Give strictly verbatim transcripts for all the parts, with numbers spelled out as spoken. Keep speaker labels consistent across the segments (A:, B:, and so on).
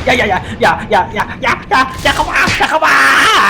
A: อย่าอย่าอย่าอย่าอย่าอย่าอย่าอย่าอย่าเข้ามาอย่าเข้ามา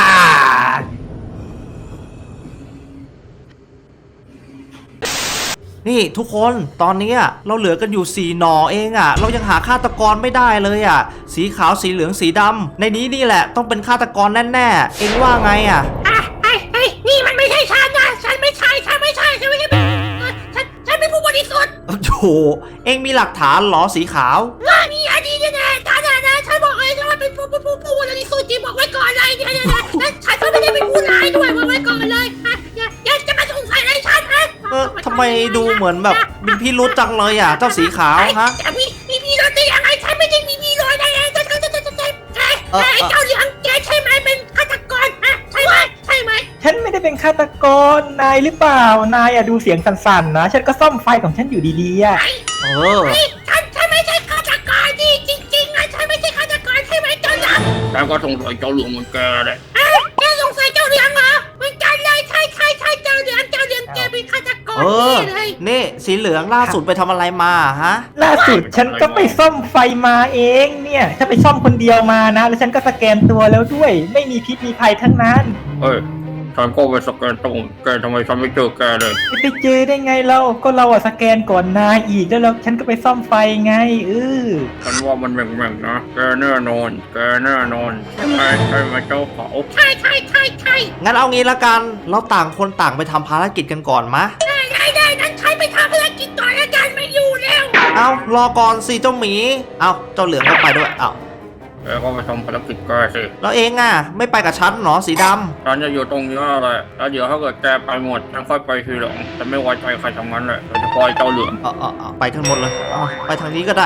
B: นี่ทุกคนตอนนี้เราเหลือกันอยู่สี่หน่อเองอ่ะเรายังหาฆาตกรไม่ได้เลยอ่ะสีขาวสีเหลืองสีดำในนี้นี่แหละต้องเป็นฆาตกรแน่ๆเองว่าไงอ่ะ
C: อ่ะไอ้ไอ้นี่มันไม่ใช่ฉันนะฉันไม่ใช่ฉันไม่ใช่ฉันไม่ใช่ฉันฉันเป็นผู้บริสุทธิ์
B: โอ้โหเองมีหลักฐานเหรอสีขาว
C: ว่านี่อันนี้เนี่ยท่านนะฉันบอกเลยว่าเป็นผู้ผู้ผู้ผู้บริสุทธิ์จริงบอกไว้ก่อนเลยเนี่ยเนี่ยและฉันก็ไม่ได้เป็นผู้ร้ายด้วยบอกไว้ก่อนเลยอ่ะอย่าอย่าจะมาสงสัยอะไรฉันนะ
B: เออทำไมดูเหมือนแบบมีพี่รู้จังเลยอ่ะเจ้าสีขาวฮะ
C: มีมีมีรถได้ยังไงฉันไม่ได้มีมีรถได้ยังไงจะจะจะจะจะจะไอ้เจ้าเหลืองแกใช่ไหมเป็นฆาตกรฮะใช่ไหมใช่ไหม
A: ฉันไม่ได้เป็นฆาตกรนายหรือเปล่านายอะดูเสียงสั่นๆนะฉันก็ซ่อมไฟของฉันอยู่ดีๆอะ
B: เออ
C: ฉันฉันไม่ใช่ฆาตกรจริงจริงๆนะฉันไม่ใช่ฆาตกรใช่ไหมเจ้าเหลือง
D: ฉันก็สงสัยเจ้าเหลืองเหมือนแกเลย
C: แกสงสัยเจ้าเหลืองเหรอเหมือนกันเลยใช่ใช่ใช่เจ้าเหลืองเจ้าเหลืองแกเป็นฆาตกรเลย
B: นี่สีเหลืองล่าสุดไปทำอะไรมาฮะ
A: ล่าสุดฉันก็ไปซ่อมไฟมาเองเนี่ยฉันไปซ่อมคนเดียวมานะแล้วฉันก็สแกนตัวแล้วด้วยไม่มีพิษมีภัยทั้งนั้น
D: เอ้ยฉันก็ไปสแกนตรงแกทำไมฉันไม่เจอแกเลย
A: ไปเจอได้ไงเราก็เราอะสแกนก่อนนายอีกแล้วเราฉันก็ไปซ่อมไฟไงเออ
D: ฉันว่ามันแหว่งๆนะแกแน่นอนแกแน่นอนใช่ไหมใช่ไหมเจ้าเขา
C: ใช่ใช่ใช่ใช่
B: งั้นเอางี้ละกันเราต่างคนต่างไปทำภารกิจกันก่อนมะ
C: ได้ได้ได้นั้นใช้ไปทำภารกิจก่อนอาจารย์ไม่อยู่แล้ว
B: เอารอก่อนสิเจ้าหมีเอาเจ้าเหลืองก็ไปด้วยเอา
D: แกก็ไปทำภารกิจแกสิ
B: แล้วเองอ่ะไม่ไปกับฉันหรอสีดำ
D: ฉันจะอยู่ตรงนี้แหละแล้วเดี๋ยวถ้าเกิดแกไปหมดฉันค่อยไปทีหลังฉันไม่ไว้ใจใครทั้งนั้นเลยโดยเฉพาะเจ้าเหลือง
B: เออเออไปทั้งหมดเลยเอาไปทางนี้ก็ได้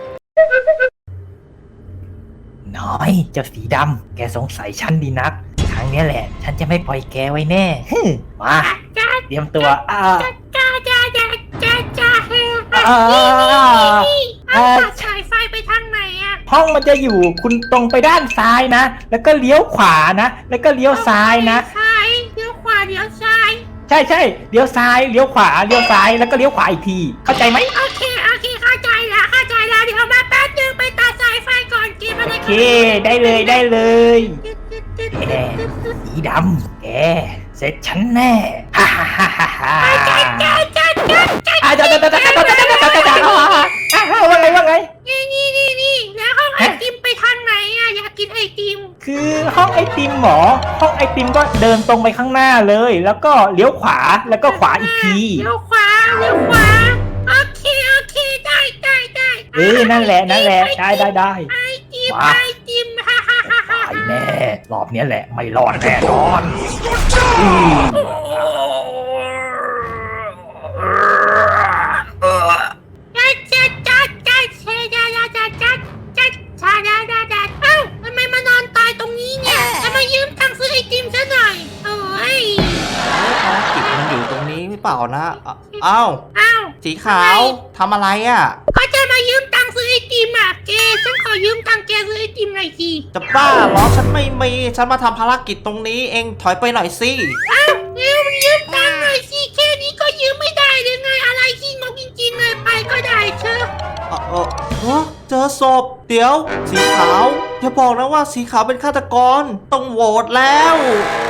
A: น้อยเจ้าสีดำแกสงสัยฉันดีนักครั้งนี้แหละฉันจะไม่ปล่อยแกไว้แน่มาเตรียมตัวอ่า
C: จ้าจ้าจ้าจ้าจ้าเฮ้ยนี่ฉายไฟไปทางไหนอะ
A: ห้องมันจะอยู่คุณตรงไปด้านซ้ายนะแล้วก็เลี้ยวขวานะแล้วก็เลี้ยวซ้ายนะ
C: ซ้ายเลี้ยวขวาเลี้ยวซ้าย
A: ใช่ใช่เลี้ยวซ้ายเลี้ยวขวาเลี้ยวซ้ายแล้วก็เลี้ยวขวาอีกทีเข้าใจไหม
C: โอเคโอเคเข้าใจแล้วเข้าใจแล้วเดี๋ยวมาแป๊บนึงไปตัดสายไฟก่อนเกมอะไร
A: โอเคได้เลยได้เลยแกสีดำแกเสร็จฉันแน่ฮ่าฮ่าฮ่าฮ่า
C: จ้าจ้าจ้าจ้าจ้า
A: อ่าจ้าจ้าจ้าจ้าจ้าจ้าจ้าอ่าว่าไงว่าไง
C: นี่นี่นี่นี่แล้วห้องไอติมไปทางไหนอะอยากกินไอติม
A: คือห้องไอติมหมอห้องไอติมก็เดินตรงไปข้างหน้าเลยแล้วก็เลี้ยวขวาแล้วก็ขวาอีกที
C: เลี้ยวขวาเลี้ยวขวาโอเคโอเคได้ได้ได้
A: เออนั่นแหละนั่นแหละได้ได้ได้
C: ไอติมไอติมฮ่าฮ่าฮ่าฮ่า
A: ไอแน่รอบนี้แหละไม่รอดแน่นอน
B: เปล่านะอ้าว
C: อ้าว
B: สีขาวทำอะไรอ่ะ
C: ก็จะมายืมตังค์ซื้อไอติมอ่ะแกฉันขอยืมตังค์แกซื้อไอติมหน่อยสิ
B: จะบ้าเหรอฉันไม่มีฉันมาทำภารกิจตรงนี้เองถอยไปหน่อยสิ
C: อ้าวเร็วยืมตังค์หน่อยสิแค่นี้ก็ยืมไม่ได้เลยไงอะไรที่งกจริงๆเลยไปก็ได้เชื่อ
B: เออเออเจอศพเดี๋ยวสีขาวอย่าบอกนะว่าสีขาวเป็นฆาตกรต้องโหวตแล้ว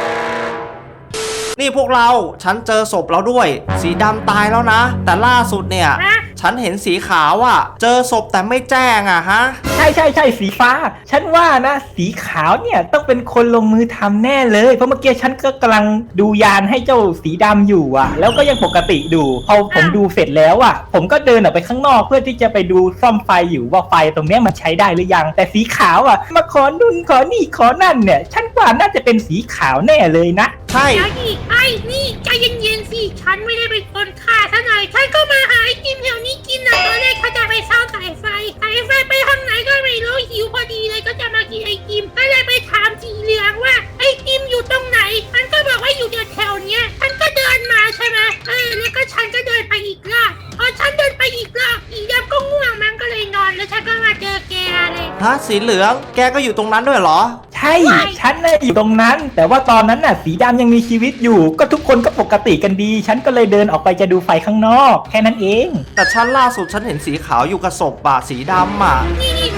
B: นี่พวกเราฉันเจอศพแล้วด้วยสีดำตายแล้วนะแต่ล่าสุดเนี่ยฉันเห็นสีขาวอ่ะเจอศพแต่ไม่แจ้งอ่ะฮะ
A: ใช่ใช่ใช่สีฟ้าฉันว่านะสีขาวเนี่ยต้องเป็นคนลงมือทำแน่เลยเพราะเมื่อกี้ฉันก็กำลังดูยานให้เจ้าสีดำอยู่อ่ะแล้วก็ยังปกติดูพอผมดูเสร็จแล้วอ่ะผมก็เดินออกไปข้างนอกเพื่อที่จะไปดูซ่อมไฟอยู่ว่าไฟตรงนี้มันใช้ได้หรือยังแต่สีขาวอ่ะมาขอนุ่นขอนี่ขอนั่นเนี่ยฉันว่าน่าจะเป็นสีขาวแน่เลยนะ
B: ใช่
C: ไอ้นี่ใจเย็นๆสิฉันไม่ได้เป็นคนฆ่าท่านไหนฉันก็มาหาไอติมแถวนี้กินนะตอนแรกเขาจะไปเช่าสายไฟสายไฟไปทางไหนก็ไม่รู้หิวพอดีเลยก็จะมากินไอติมก็เลยไปถามสีเหลืองว่าไอติมอยู่ตรงไหนมันก็บอกว่าอยู่แถวเนี้ยฉันก็เดินมาใช่ไหมเออแล้วก็ฉันก็เดินไปอีกรอบพอฉันเดินไปอีกรอบอีดำก็ง่วงมันก็เลยนอนแล้วฉันก็มาเจอแกเลย
B: ฮะสีเหลืองแกก็อยู่ตรงนั้นด้วยเหรอ
A: ใช่ฉันน่ะอยู่ตรงนั้นแต่ว่าตอนนั้นน่ะสีดำยังมีชีวิตอยู่ก็ทุกคนก็ปกติกันดีฉันก็เลยเดินออกไปจะดูไฟข้างนอกแค่นั้นเอง
B: แต่ฉันล่าสุดฉันเห็นสีขาวอยู่กับศพป่ะสีดำอ่ะ
C: นี่นี่สีเหลือง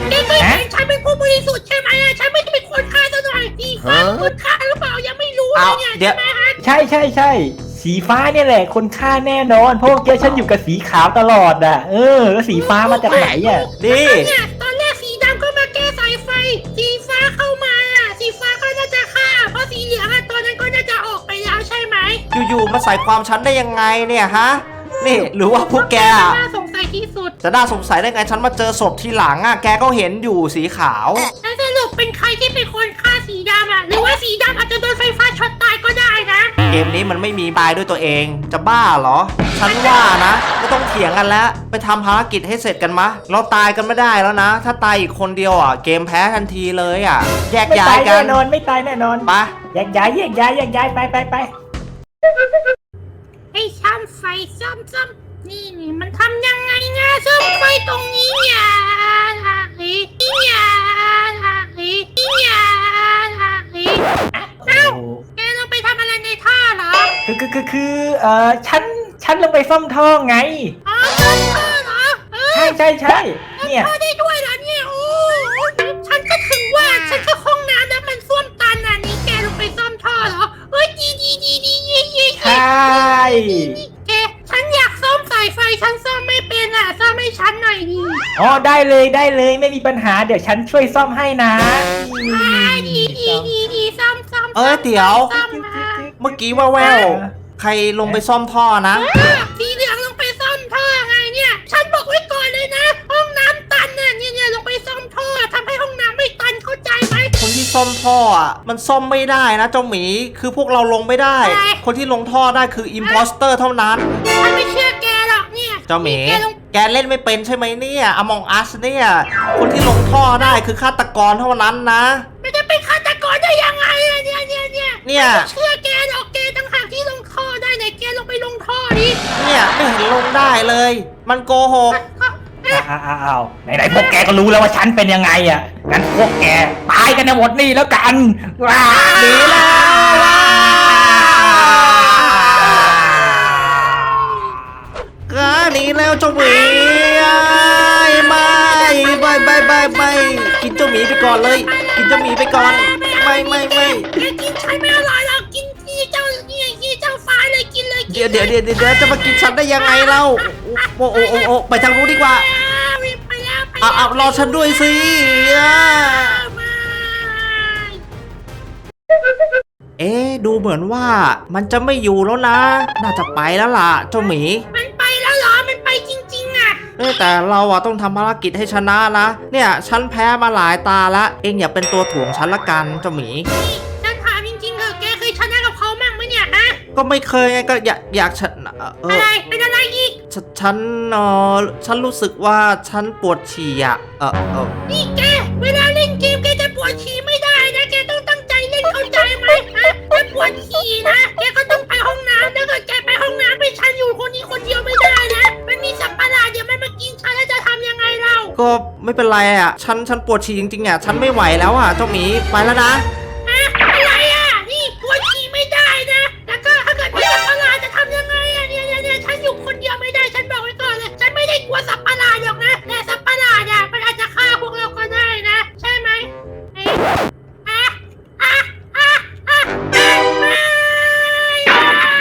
C: แกก็เห็นฉันเป็นผู้บริสุทธิ์ใช่ไหมอ่ะฉันไม่ได้เป็นคนฆ่าซะหน่อยสีฟ้าเป็นคนฆ่าหรือเปล่ายังไม่รู้เลยเนี่ย
B: เอาเดี๋ยว
C: ใช่ไหมฮะ
A: ใช่ใช่ใช่สีฟ้าเนี่ยแหละคนฆ่าแน่นอนเพราะเมื่อกี้ฉันอยู่กับสีขาวตลอดอ่ะเออแล้วสีฟ้ามาจากไหนอ่ะ
B: นี่
C: เนี่ยตอนแรกสีดำก็มาแก้สายไฟ สีฟ้าเข้ามาอ่ะสีฟ้าก็น่าจะฆ่าเพราะสีเหลืองอ่ะตอนนั้นก็น่าจะออกไปแล้วใช่ไหม
B: อยู่ๆมาใส่ความฉันได้ยังไงเนี่ยฮะนี่หรือว่าพวกแกอะ
C: น่าสงสัยที่สุด
B: จะน่าสงสัยได้ไงฉันมาเจอศพทีหลังอ่ะแกก็เห็นอยู่สีขาว
C: แล้วสรุปเป็นใครที่เป็นคนฆ่าสีดำอ่ะหรือว่าสีดำอาจจะโดนไฟฟ้าช็อตตายก็ได้นะ
B: เกมนี้มันไม่มีตายด้วยตัวเองจะบ้าเหรอ ฉันว่านะไม่ต้องเถียงกันแล้วไปทำภารกิจให้เสร็จกันมะเราตายกันไม่ได้แล้วนะ ถ้าตายอีกคนเดียวอ่ะเกมแพ้ทันทีเลยอ่ะแยก
A: ไม่
B: ย้า
A: ตาย ย
B: กั
A: แน่
B: น
A: นอนไม่ตายแน่นอน
B: ไป
A: แยกย้ายแยกย้ายแยกย้ายไปไปไป
C: ไอ้ช่างไฟซ่อมซ่อมนี่นี่มันทำยังไงนะซ่อมไฟตรงนี้อย่าเฮ้ยอย่าเฮ้ยอย่าเฮ้ยเอ้าแกลงไปทำอะไรในท่าเหรอ
A: คือคือคือคือเอ่อฉันฉันลงไปซ่อมท่อไง
C: อ๋อซ่อมท่อเหรอเออ
A: ใช่ใช่ใช่เนี่ย
C: ท่อได้ด้วยเหรอเนี่ยโอ้ฉันก็ถึงว่าฉันก็ห้องน้ำแล้วมันส้วมตันอ่ะนี่แกลงไปซ่อมท่อเหรอเฮ้ยดีดีดีดีเย่เย่
A: ใช่
C: แกฉันอยากซ่อมสายไฟฉันซ่อมไม่เป็นอ่ะซ่อมให้ฉันหน่อยดิ
A: อ๋อได้เลยได้เลยไม่มีปัญหาเดี๋ยวฉันช่วยซ่อมให้นะ
C: อ่าดีดีดีดีซ่อมซ่อม
B: เอ้ยเดี๋ยว
C: ซ่อมมา
B: เมื่อกี้ว่าแววๆใครลงไปซ่อมท่อนะ
C: เออสีเหลืองลงไปซ่อมท่อไงเนี่ย ฉันบอกไว้ก่อนเลยนะ ห้องน้ำตันน่ะเนี่ยเนี่ยลงไปซ่อมท่อทำให้ห้องน้ำไม่ตันเข้าใจไหม
B: คนที่ซ่อมท่ออ่ะมันซ่อมไม่ได้นะเจ้าหมีคือพวกเราลงไม่ได้
C: อะไร
B: คนที่ลงท่อได้คืออิมพอสเตอร์เท่านั้น
C: ฉันไม่เชื่อแกหรอกเนี่ย
B: เจ้าหมี
C: แกลง
B: แกเล่นไม่เป็นใช่ไหมเนี่ยอมองอัสเนี่ยคนที่ลงท่อได้คือฆาตกรเท่านั้นนะ
C: ไม่ได้เป็นฆาตกรได้ยังไงอะเนี่ยเนี่ยเนี่ย
B: เนี่ย
C: ไม่เชื่อแกหรอกแกต่างหากที่ลงท่อได้ไหนแกลงไปลงท่อดิ
B: เนี่ยไม่เห็นลงได้เลย มันโกหก
A: อ้าวอ้าวอ้าวไหนไหนพวกแกก็รู้แล้วว่าฉันเป็นยังไงอ่ะงั้นพวกแกตายกันในหมดนี่แล้วกันว้าหนีแล้ว
B: ก็หนีแล้วเจ้าหมีไม่ไม่ไม่ไม่ไม่กินเจ้าหมีไปก่อนเลย กินเจ้าหมีไปก่อน ไม่ไม่ไม่
C: แกกินฉันไม่อร่อยหรอกกินที่เจ้าเนี่ยที่เจ้าฟ้าเลยกินเลยกิน
B: เดี๋ยวเดี๋ยวเดี๋ยวเดี๋ยวจะมากินฉันได้ยังไงเล่าโอ้โอ้โอ้โอ้ไปทางนู้นดีกว่า
C: ไปแล้วไป
B: เอาเอารอฉันด้วยสิอ่ะ
C: มา
B: เอ๊ะดูเหมือนว่ามันจะไม่อยู่แล้วนะ น่าจะไปแล้วล่ะเจ้าหมี
C: มันไปแล้วเหรอมันไปจริงๆอ่ะ
B: เอ้ยแต่เราอะต้องทำภารกิจให้ชนะนะ เนี่ยฉันแพ้มาหลายตาละเองอย่าเป็นตัวถ่วงฉันละกันเจ้าหมี
C: นี่ฉันถามจริงๆเถอะแกเคยชนะกับเขามั่งไหมเนี่ยฮะ
B: ก็ไม่เคยไงก็อยากอยากชนะเอ
C: อะ
B: อ
C: ไรเป็นอะไรอีก
B: ฉฉันเออฉันรู้สึกว่าฉันปวดฉี่อะเออเออ
C: นี่แกเวลาเล่นเกมแกจะปวดฉี่ไม่ได้นะแกต้องตั้งใจเล่นเข้าใจไหมฮะถ้าปวดฉี่นะแกก็ต้องไปห้องน้ำแล้วก็แกไปห้องน้ำไปฉันอยู่คนนี้คนเดียวไม่ได้นะมันมีสัตว์ประหลาดเดี๋ยวมันมากินฉันแล้วจะทำยังไงเรา
B: ก็ไม่เป็นไรอะฉันฉันปวดฉี่จริงๆอะฉันไม่ไหวแล้วอะเจ้าหมีไปแล้วนะ
C: อะอะไรอ่ะ นี่ปวดฉี่ไม่ได้นะ แล้วก็ถ้าเกิดมีสัตว์ประหลาดจะทำยังไงอ่ะเนี่ยเนี่ยเนี่ยฉันอยู่คนเดียวไม่ได้ ฉันบอกไว้ก่อนเลย ฉันไม่ได้กลัวสัตว์ประหลาดหรอกนะ แต่สัตว์ประหลาดอ่ะมันอาจจะฆ่าพวกเราก็ได้นะ ใช่ไหมเอ๊ะอะอะอะอะอะไม่อะ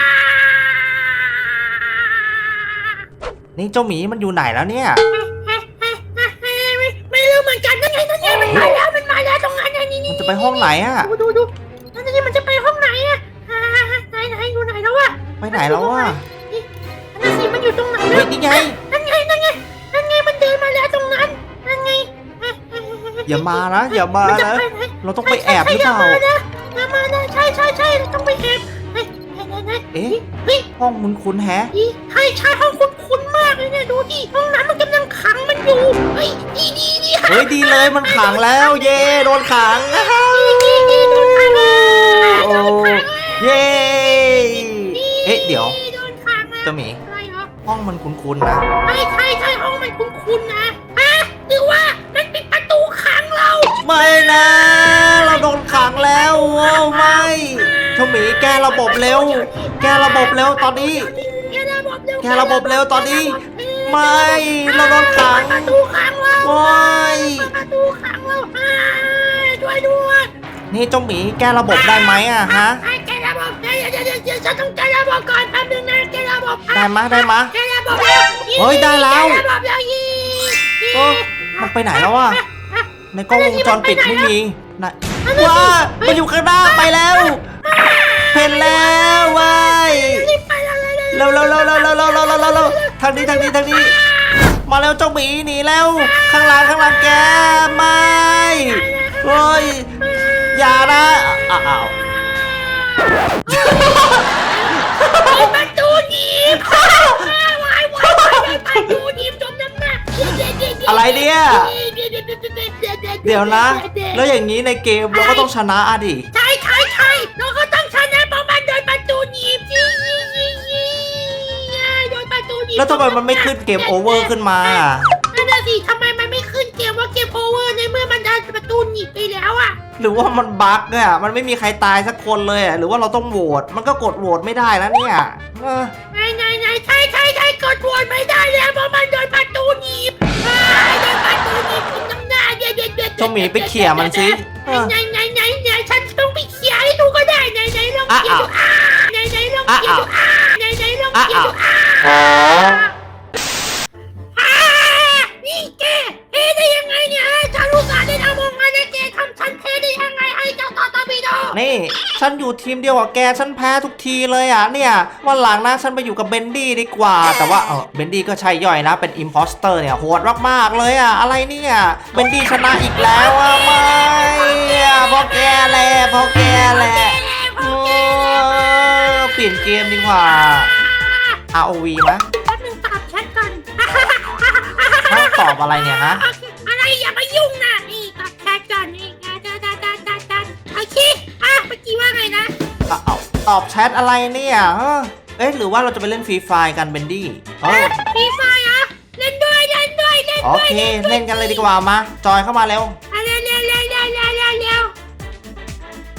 B: นี่เจ้าหมีมันอยู่ไหนแล้วเนี่ย
C: ไม่ไม่รู้เหมือนกันนั่นไงนั่นไงมันมาแล้ว มันมาแล้วตรงนั้นไงนี่
B: มั
C: นี่
B: นจะไปห้องไหนอะ
C: ดูดูดูนั่นนี่มันจะไปห้องไหนอ่ะอ่าไหนไหนอยู่ไหนแล้ววะ
B: ไปไหนแล้วอะ
C: นี่นั่นสิมันอยู่ตรงไหน
B: เฮ้ยนี่ไง
C: นั่นไงนั่นไงนั่นไงมันเดินมาแล้วตรงนั้นนั่นไง
B: อย่ามานะอย่ามานะ เราต้องไปแอบหรือเปล่า
C: อย่ามานะใช่ใช่ใช่เราต้องไปแอบเฮ้ยไหนไหน
B: เอ๊ะ
C: เฮ้ย
B: ห้องมันคุ้นแฮะ
C: นี่ใช่ใช่ห้องคุ้นคุ้นมากเลยเนี่ยดูดิห้องน้ำมันกำลังขังมันอยู่เฮ้ยดีดีดี
B: เฮ้ยดีเลยมันขังแล้ว เย่โดนขัง
C: ดีดีโดนขังแล้ว
B: โอ้
C: โดนขังแล้ว
B: เย่เอ๊ะเดี๋ยว
C: โดนขังแล้ว
B: เจ้าหมี
C: อะไรเหรอ
B: ห้องมันคุ้นๆนะ
C: ใช่ใช่ใช่ห้องมันคุ้นๆนะฮะหรือว่ามันปิดประตูขังเรา
B: ไม่นะ เราโดนขังแล้วโอ้ไม่เจ้าหมีแกระบบเร็ว แกระบบเร็วตอนนี้
C: แกระบบเร็ว
B: แกระบบเร็วตอนนี้
C: เออ
B: ไม่เราโดนขัง
C: ประตูขังเรา
B: โอ้ย
C: ประตูขังเราช่วยด้วย
B: นี่เจ้าหมีแก้ระบบได้ไหมอะฮะ
C: แกระบบเดี๋ยวเดี๋ยวเดี๋ยวฉันต้องแกระบบก่อนแป๊บนึงนะแกระบบ
B: ได้มะได้มะ
C: แกระบบแล้ว
B: เฮ้ยได้แล้ว
C: แกระบบแล้วยี่
B: เออมันไปไหนแล้ววะในกล้องวงจรปิดไม่มีไหนว้ามันอยู่ข้างหน้าไปแล้วเห็นแล้วเว้ย
C: รีบไปแล้วเลย
B: เร็วเร็วเร็วเร็วเร็วเร็วเร็วเร็วเร็วเร็วทางนี้ทางนี้ทางนี้มาแล้วเจ้าหมีหนีแล้วข้างหลังข้างหลังแกไม่เฮ้ยอย่านะอ้าว
C: ประตูหนีบวายวายวายประตูหนีบจมน้ำหนัก
B: อะไรเนี่ยเดี๋ยวนะ แล้วอย่างนี้ในเกมเราก็ต้องชนะอะดิ
C: ใช่ใช่ใช่เราก็ต้องชนะเพราะมันโดนประตูหนีบยี่ยี่ยี่ยี่โดนประตูหนีบ
B: แล้วทำไมมันไม่ขึ้นเกมโอเวอร์ขึ้นมา
C: นั่นน่ะสิทำไมมันไม่ขึ้นเกมว่าเกมโอเวอร์ในเมื่อมันโดนประตูหนีบไปแล้วอ่ะ
B: หรือว่ามันบั๊กเนี่ยมันไม่มีใครตายสักคนเลยอะหรือว่าเราต้องโหวตมันก็กดโหวตไม่ได้แล้วเนี่ยเออ
C: ไหนไหนไหนใช่ใช่ใช่กดโหวตไม่ได้แล้วเพราะมันโดนประตูหนีบโดนประตูหนีบคุณน้ำหน้าเด็ดเด็ดเด็ด
B: เจ้าหมีไปเขี่ยมันสิเออ
C: ไหนไหนไหนไหนฉันต้องไปเขี่ยให้ดูก็ได้ไหนไหนลองเขี่ยดูอ่าไหนไหนลองเขี่ยดูอ่าไหนไหนลองเขี่ยดูอ่าอ่านี่แกเทได้ยังไงเนี่ยฉันรู้สาได้ทำมองมาเนี่ยแกทำฉันเทได้ยังไงให้เจ้าต่อตาบีโด
B: นี่ฉันอยู่ทีมเดียวกับแกฉันแพ้ทุกทีเลยอ่ะเนี่ยวันหลังนะฉันไปอยู่กับเบนดี้ดีกว่า แต่ว่าเออเบนดี้ก็ใช่ย่อยนะเป็นอิมพอสเตอร์เนี่ยโหดมากๆเลยอ่ะอะไรเนี่ยเบนดี้ชนะอีกแล้วอ่ะไม่อ่ะเพราะแกแหละเพราะแกแหละเออเปลี่ยนเกมดีกว่า อาร์ โอ วี มั้ย
C: แป๊บนึงตอบแชทก่อน
B: ฮะตอบอะไรเนี่ยฮะ
C: อะไรอย่ามายุ่งนะนี่ตอบแชทก่อนนี่ดาดาดาดาดาดาโอเคอ่ะเมื่อกี้ว่าไงนะ
B: เอาเอาตอบแชทอะไรเนี่ยเออเอ๊ะหรือว่าเราจะไปเล่นฟรีไฟกันเบนดี้เออ
C: ฟรีไฟอ่ะเล่นด้วยเล่นด้วยเล่น
B: โอ
C: ด้วย
B: เคเล่นกันเลยดีกว่ามาจอยเข้ามาเร็ว
C: โ